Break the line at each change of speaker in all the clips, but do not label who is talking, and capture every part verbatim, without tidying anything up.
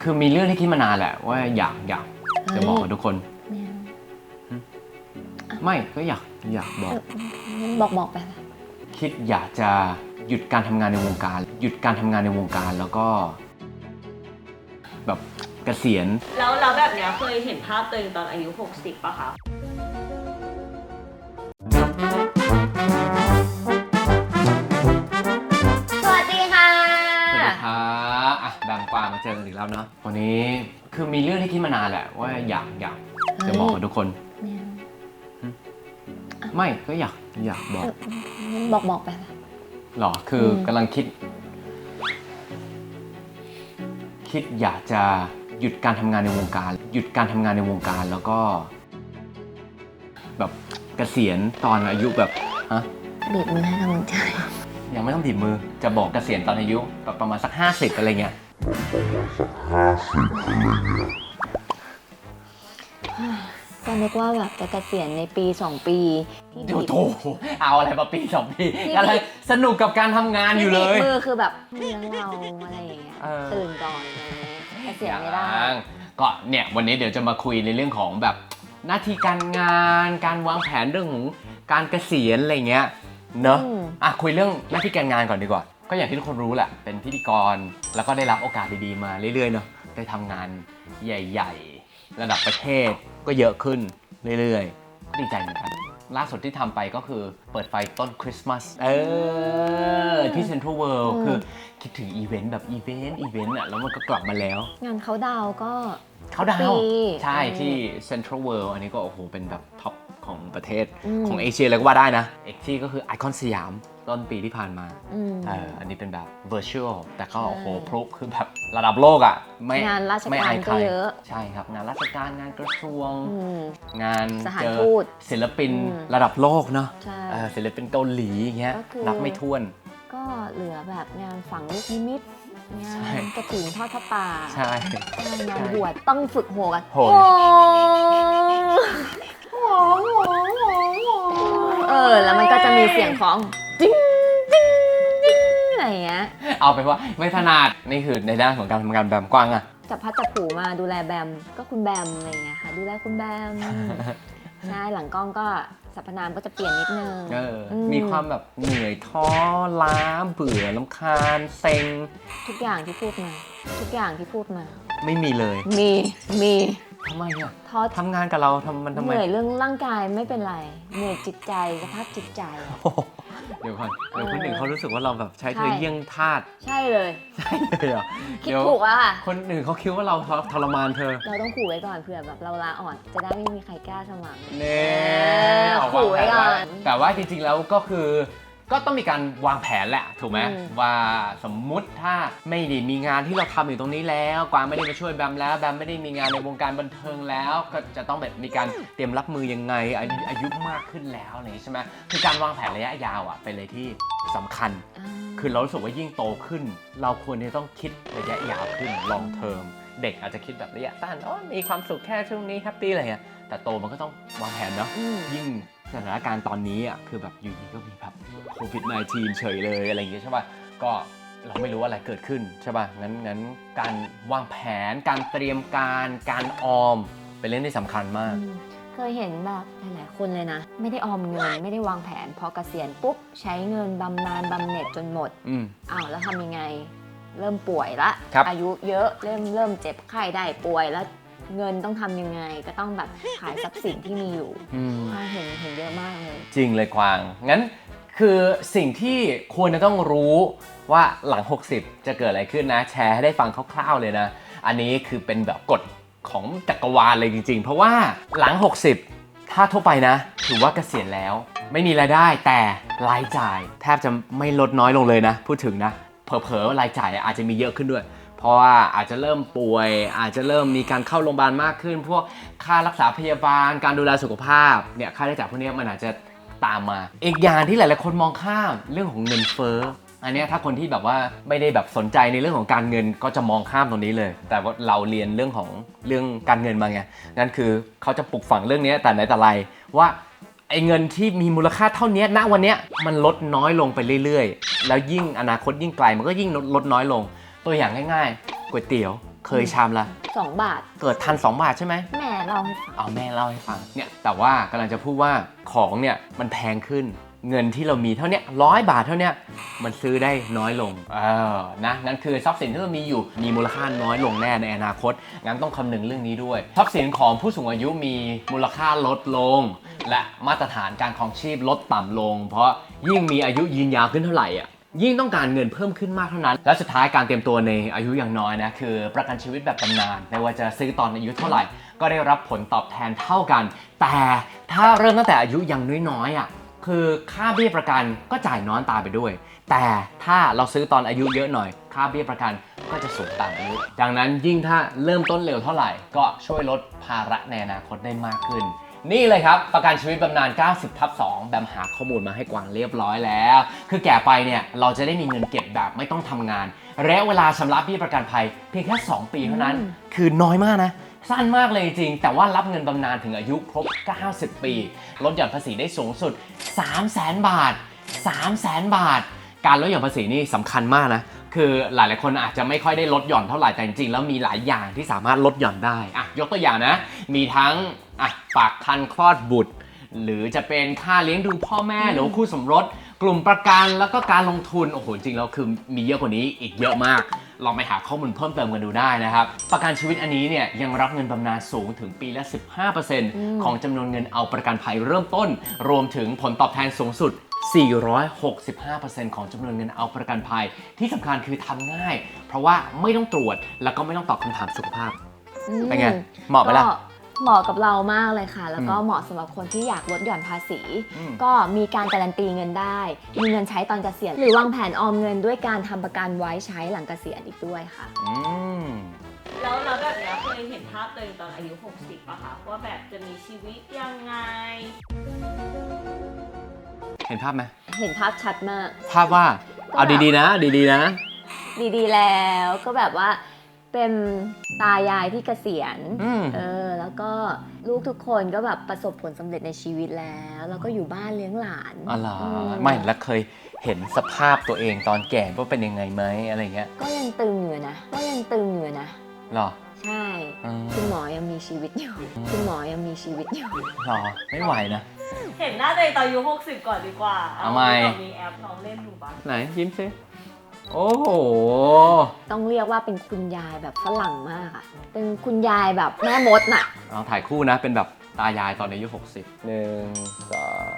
คือมีเรื่องที่คิดมานานแหละว่าอยากอยากจะบอกกับทุกคนไม่ก็อยากอยากบอก
บอกบอกไป
คิดอยากจะหยุดการทำงานในวงการหยุดการทำงานในวงการแล้วก็แบบเกษียณ
แล้วแล้วแบบเนี้ยเคยเห็นภาพตัวเองตอนอายุหกสิบป่ะคะ
สวัสดีค่ะ
สวัสดีครับอ่ะดังกว่ามาเจอกันอีกแล้วเนาะวันนี้คือมีเรื่องที่คิดมานานแหละว่าอยากอยากจะบอกกับทุกคนไม่ก็อยากอยากบอก
บอกบอกไป
หรอคือกำลังคิดคิดอยากจะหยุดการทำงานในวงการหยุดการทำงานในวงการแล้วก็แบบเกษียณตอนอายุแบบฮะ
บีบมือให้กำลังใจ
ยังไม่ต้องบีบมือจะบอกเกษียณตอนอายุแบบประมาณสักห้าสิบอะไรเงี้ย
ห้าสิบอะไรเงี้ยก็นึกว่าแบบจะเกษียณในปีสองปี
ที่โถเอาอะไรมาปีสองปีอะไรสนุกกับการทำงานอยู่เลย
มือคือแบบเลี้ยงเราอะไรอย่างเงี้ยตื่นก่อนอะไรเงี้ยเกษียณไม่ได้
ก็เนี่ยวันนี้เดี๋ยวจะมาคุยในเรื่องของแบบหน้าที่การงานการวางแผนเรื่องของการเกษียณอะไรเงี้ยเนอะอ่ะคุยเรื่องหน้าที่การงานก่อนดีกว่าก็อย่างที่ทุกคนรู้แหละเป็นพิธีกรแล้วก็ได้รับโอกาสดีๆมาเรื่อยๆเนอะได้ทำงานใหญ่ๆระดับประเทศก็เยอะขึ้นเรื่อยๆก็ดีใจเหมือนกันล่าสุดที่ทำไปก็คือเปิดไฟต้นคริสต์มาสเออที่เซ็นทรัลเวิลด์คือคิดถึงอีเวนต์แบบอีเวนต์อีเวนต์อ่ะแล้วมันก็กลับมาแล้ว
งานเขาดาวก็
เขาดาวใช่ที่เซ็นทรัลเวิลด์อันนี้ก็โอ้โหเป็นแบบท็อปของประเทศของเอเชียเลยก็ว่าได้นะอีกที่ก็คือไอคอนสยามต้นปีที่ผ่านมาเอออันนี้เป็นแบบ virtual แต่ก็โอ้โหพลุคือแบบระดับโลกอ่ะไม่
งานราชการก็เยอะ
ใช่ครับงานราชการงานกระทรวงงาน
สถานทูต
ศิลปินระดับโลกเนาะศิลปินเกาหลีอย่างเงี้ยนับไม่ถ้วน
ก็เหลือแบบงานฝังลูกนิมิตงานกระถิ่นทอดผ้าป่า
ใช่
งานบวชต้องฝึกโหกัน
โห
เออแล้วมันก็จะมีเสียงของจิ้งจิ้งจิ้งอะไรเงี้ย
เอาไปว่าไม่ถนัดนี่คือในด้านของการทำงานแบมกว้างอะ
จับพัดจับผูมาดูแลแบมก็คุณแบมอะไรเงี้ยค่ะดูแลคุณแบมใช่หลังกล้องก็สรรพนามก็จะเปลี่ยนนิดนึง
เออมีความแบบเหนื่อยท้อล้าเบื่อรำคาญเซ็ง
ทุกอย่างที่พูดมาทุกอย่างที่พูดมา
ไม่มีเลย
มีมี
ทำไมอ่ะท้อทำงานกับเราทำมันทำไม
เหนื่อยเรื่องร่างกายไม่เป็นไรเหนื่อยจิตใจสภาพจิตใจ
เดี๋ยวก่อนเดี๋ยวคนอื่นเขารู้สึกว่าเราแบบใช้เธอเยี่ยงทาส
ใช่เลย
ใช่เลยอ่ะ
คิดถูกอ่ะ
คนอื่นเขาคิดว่าเราทรมานเธอ
เราต้องขู่ไว้ก่อนเผื่อแบบเราลาอ่อนจะได้ไม่มีใครกล้าสมัคร
เน่
ขู่ไว้ก่อน
แต่ว่าจริงๆแล้วก็คือก็ต้องมีการวางแผนแหละถูกไหมว่าสมมุติถ้าไม่ได้มีงานที่เราทำอยู่ตรงนี้แล้วกวางไม่ได้มาช่วยแบมแล้วแบมไม่ได้มีงานในวงการบันเทิงแล้วก็จะต้องแบบมีการเตรียมรับมือยังไงอายุมากขึ้นแล้วอะไรใช่ไหมคือการวางแผนระยะยาวอ่ะเป็นอะไรที่สำคัญคือเรารู้สึกว่ายิ่งโตขึ้นเราควรจะต้องคิดระยะยาวขึ้น long term เด็กอาจจะคิดแบบระยะสั้นอ๋อมีความสุขแค่ช่วงนี้แฮปปี้อะไรเงี้ยแต่โตมันก็ต้องวางแผนเนาะยิ่งสถานการณ์ตอนนี้อ่ะคือแบบอยู่ดีก็มีแบบโควิด สิบเก้า เฉยเลยอะไรอย่างเงี้ยใช่ป่ะก็เราไม่รู้อะไรเกิดขึ้นใช่ป่ะงั้นงั้นการวางแผนการเตรียมการการออมเป็นเรื่องที่สำคัญมาก
เคยเห็นแบบหลายๆคนเลยนะไม่ได้ออมเงินไม่ได้วางแผนพอเกษียณปุ๊บใช้เงินบำนาญบำเหน็จจนหมดอ้าวแล้วทำยังไงเริ่มป่วยละอายุเยอะเริ่มเริ่มเจ็บไข้ได้ป่วยแล้วเงินต้องทำยังไงก็ต้องแบบขายทรัพย์สินที่มีอยู่เห็นเห็นเยอะมากเลย
จริงเลยกวางงั้นคือสิ่งที่ควรจะต้องรู้ว่าหลังหกสิบจะเกิดอะไรขึ้นนะแชร์ให้ได้ฟังคร่าวๆเลยนะอันนี้คือเป็นแบบกฎของจักรวาลเลยจริงๆเพราะว่าหลังหกสิบถ้าทั่วไปนะถือว่าเกษียณแล้วไม่มีรายได้แต่รายจ่ายแทบจะไม่ลดน้อยลงเลยนะพูดถึงนะเผลอๆรายจ่ายอาจจะมีเยอะขึ้นด้วยเพราะว่าอาจจะเริ่มป่วยอาจจะเริ่มมีการเข้าโรงพยาบาลมากขึ้นพวกค่ารักษาพยาบาลการดูแลสุขภาพเนี่ยค่าใช้จ่ายพวกนี้มันอาจจะตามมาอีกอย่างที่หลายๆคนมองข้ามเรื่องของเงินเฟ้ออันนี้ถ้าคนที่แบบว่าไม่ได้แบบสนใจในเรื่องของการเงินก็จะมองข้ามตรงนี้เลยแต่ว่าเราเรียนเรื่องของเรื่องการเงินมาไงนั่นคือเขาจะปลูกฝังเรื่องนี้แต่ไหนแต่ไรว่าไอ้เงินที่มีมูลค่าเท่านี้ณวันนี้มันลดน้อยลงไปเรื่อยๆแล้วยิ่งอนาคตยิ่งไกลมันก็ยิ่งลดน้อยลงตัวอย่างง่ายๆก๋วยเตี๋ยวเคยชามละ
สองบาท
เกิดทันสองบาทใช่ไหม
แม่เล่าให้ฟัง
เอาแม่เล่าให้ฟังเนี่ยแต่ว่ากำลังจะพูดว่าของเนี่ยมันแพงขึ้นเงินที่เรามีเท่าเนี้ยร้อยบาทเท่าเนี้ยมันซื้อได้น้อยลงเออนะนั่นคือทรัพย์สินที่เรามีอยู่มีมูลค่าน้อยลงแน่ในอนาคตงั้นต้องคำนึงเรื่องนี้ด้วยทรัพย์สินของผู้สูงอายุมีมูลค่าลดลงและมาตรฐานการครองชีพลดต่ำลงเพราะยิ่งมีอายุยืนยาวขึ้นเท่าไหร่อ่ะยิ่งต้องการเงินเพิ่มขึ้นมากเท่านั้นและสุดท้ายการเตรียมตัวในอายุอย่างน้อยนะคือประกันชีวิตแบบบำนาญไม่ว่าจะซื้อตอนอายุเท่าไหร่ก็ได้รับผลตอบแทนเท่ากันแต่ถ้าเริ่มตั้งแต่อายุยังน้อยๆอ่ะคือค่าเบี้ยประกันก็จ่ายน้อยตามไปด้วยแต่ถ้าเราซื้อตอนอายุเยอะหน่อยค่าเบี้ยประกันก็จะสูงตามอายุดังนั้นยิ่งถ้าเริ่มต้นเร็วเท่าไหร่ก็ช่วยลดภาระในอนาคตได้มากขึ้นนี่เลยครับประกันชีวิตบำนาญ เก้าสิบทับสอง แบมหาข้อมูลมาให้กวางเรียบร้อยแล้วคือแก่ไปเนี่ยเราจะได้มีเงินเก็บแบบไม่ต้องทำงานระยะเวลาชำระเบี้ยประกันภัยเพียงแค่สองปีเท่านั้นคือน้อยมากนะสั้นมากเลยจริงแต่ว่ารับเงินบำนาญถึงอายุครบเก้าสิบปีลดหย่อนภาษีได้สูงสุด สามแสน บาท สามแสน บาทการลดหย่อนภาษีนี่สำคัญมากนะคือหลายๆคนอาจจะไม่ค่อยได้ลดหย่อนเท่าไหร่แต่จริงๆแล้วมีหลายอย่างที่สามารถลดหย่อนได้อ่ะยกตัวอย่างนะมีทั้งอ่ะฝากคันคลอดบุตรหรือจะเป็นค่าเลี้ยงดูพ่อแม่หรือคู่สมรสกลุ่มประกันแล้วก็การลงทุนโอ้โหจริงๆแล้วคือมีเยอะกว่านี้อีกเยอะมากลองไปหาข้อมูลเพิ่มเติมกันดูได้นะครับประกันชีวิตอันนี้เนี่ยยังรับเงินบำนาญสูงถึงปีละ สิบห้าเปอร์เซ็นต์ ของจำนวนเงินเอาประกันภัยเริ่มต้นรวมถึงผลตอบแทนสูงสุด สี่ร้อยหกสิบห้าเปอร์เซ็นต์ ของจำนวนเงินเอาประกันภัยที่สำคัญคือทำง่ายเพราะว่าไม่ต้องตรวจแล้วก็ไม่ต้องตอบคำถามสุขภาพเป็นไงเหมาะไหมล่ะ
เหมาะกับเรามากเลยค่ะแล้วก็เหมาะสำหรับคนที่อยากลดหย่อนภาษีก็มีการการันตีเงินได้มีเงินใช้ตอนเกษียณหรือวางแผนออมเงินด้วยการทำประกันไว้ใช้หลังเกษียณอีกด้วยค่ะ
แล้วเราแบบเนี้ยเคยเห็นภาพตัวเองตอนอายุหกสิบป่ะคะว่าแบบจะมีชีวิตยังไง
เห็นภาพไหม
เห็นภาพชัดมาก
ภาพว่าเอาดีๆนะดีๆนะ
ดีๆแล้วก็แบบว่าเป็นตายายที่เกษียณเออแล้วก็ลูกทุกคนก็แบบประสบผลสำเร็จในชีวิตแล้วแล้วก็อยู่บ้านเลี้ยงหลาน
อ๋อเหรอไม่แล้วเคยเห็นสภาพตัวเองตอนแก่ว่าเป็นยังไงไหมอะไรเงี้ย
ก็ยังตึงอยู่นะก็ยังตึงอยู่นะ
หรอ
ใช่คุณหมอยังมีชีวิตอยู่คุณหมอยังมีชีวิตอยู่
หรอไม่ไหวนะ
เห็นหน้าตัวเองตอนอายุหกสิบก่อนดีกว่า
เอาไหม
มีแอปลองเล่นดูบ้าง
ไหนยิ้มซิโอ้โห
ต้องเรียกว่าเป็นคุณยายแบบฝรั่งมากอะเป็นคุณยายแบบแม่มดน่ะ
เอาถ่ายคู่นะเป็นแบบตายายตอนอายุหกสิบหนึ่งสอง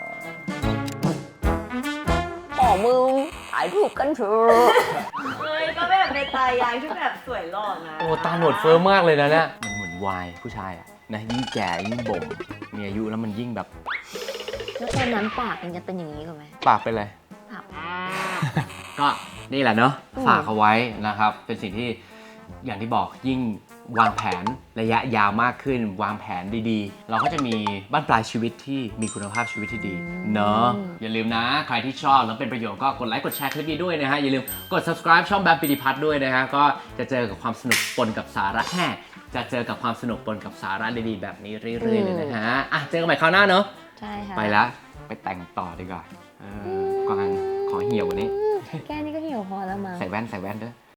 ขอมึงถ่ายรูปกันเถอะ
เฮ้ยก็แบบในตายายที่แบบสวยหล่อนะ
โอ้ตาหนวดเฟิร์มมากเลยนะเนี่ยมันเหมือนวายผู้ชายอะนะยิ่งแก่ยิ่งบ่มมีอายุแล้วมันยิ่งแบบ
แล้วตอนนั้นปากมันจะเป็นอย่างนี้หรือไหม
ปากเป็นอะไร
ปาก
ก็นี่แหละเนาะฝากเอาไว้นะครับเป็นสิ่งที่อย่างที่บอกยิ่งวางแผนระยะยาวมากขึ้นวางแผนดีๆเราก็จะมีบ้านปลายชีวิตที่มีคุณภาพชีวิตที่ดีเนาะอย่าลืมนะใครที่ชอบแล้วเป็นประโยชน์ก็กดไลค์กดแชร์คลิปนี้ด้วยนะฮะอย่าลืมกด subscribe ช่องแบมปิติพัฒน์ด้วยนะฮะก็จะเจอกับความสนุกปนกับสาระแห่จะเจอกับความสนุกปนกับสาระดีๆแบบนี้เรื่อยๆเลยนะฮะอ่ะเจอกันใหม่คราวหน้าเนาะ
ใช่ค่ะ
ไปแล้วไปแต่งต่อดีกว่าก่อนขอเหี่ยวกว่านี้
แค่นี้ก็เหี่ยวพอแล้วมั้ง
ใส่แว่นใส่แว่นด้วย